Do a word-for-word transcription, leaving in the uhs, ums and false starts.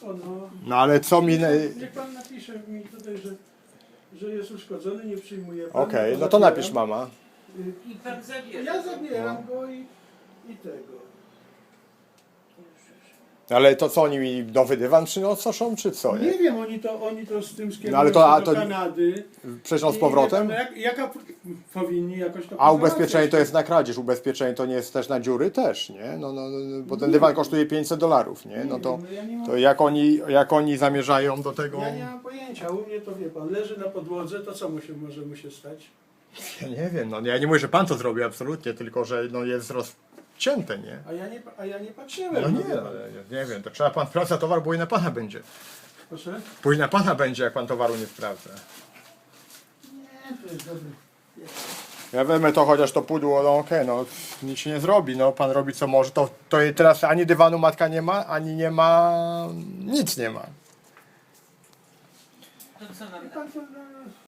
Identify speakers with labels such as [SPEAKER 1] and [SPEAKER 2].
[SPEAKER 1] wszystko, no.
[SPEAKER 2] No ale co mi...
[SPEAKER 1] Niech
[SPEAKER 2] Okej,
[SPEAKER 1] pan, niech pan napisze mi tutaj, że, że jest uszkodzony, nie przyjmuje pan.
[SPEAKER 2] no to napisz mama.
[SPEAKER 1] Y,
[SPEAKER 3] I pan zabierze.
[SPEAKER 1] Ja zabieram go i, i tego.
[SPEAKER 2] Ale to co, oni mi nowy dywan przynoszą, czy co?
[SPEAKER 1] Nie wiem, oni to, oni to z tym skierują
[SPEAKER 2] No ale to-
[SPEAKER 1] się
[SPEAKER 2] a
[SPEAKER 1] do
[SPEAKER 2] to-
[SPEAKER 1] Kanady.
[SPEAKER 2] Przecież z
[SPEAKER 1] I
[SPEAKER 2] powrotem?
[SPEAKER 1] wie pan, Jak, jaka powinni jakoś to
[SPEAKER 2] A ubezpieczenie
[SPEAKER 1] pozałatwiać.
[SPEAKER 2] to jest na kradzież, ubezpieczenie to nie jest też na dziury? Też, nie? No, no, no, bo ten dywan kosztuje pięćset dolarów, nie? No to,
[SPEAKER 1] Ja nie mam-
[SPEAKER 2] to jak, oni, jak oni zamierzają do tego...
[SPEAKER 1] Ja nie mam pojęcia, u mnie to wie pan, leży na podłodze, to co mu się może mu się stać?
[SPEAKER 2] Ja nie wiem, no ja nie mówię, że pan to zrobił absolutnie, tylko że no, jest rozcięte, nie?
[SPEAKER 1] A ja nie, a ja nie patrzyłem.
[SPEAKER 2] No nie,
[SPEAKER 1] wie pan.
[SPEAKER 2] ale nie wiem, to trzeba pan sprawdza towar, bo i na pana będzie.
[SPEAKER 1] Proszę?
[SPEAKER 2] Później na pana będzie, jak pan towaru nie sprawdza.
[SPEAKER 1] Nie, to jest dobry.
[SPEAKER 2] Ja wezmę to chociaż to pudło, no okej, no nic się nie zrobi, no pan robi co może, to, to teraz ani dywanu matka nie ma, ani nie ma, nic nie ma.
[SPEAKER 3] To co nam
[SPEAKER 1] Pan to, no,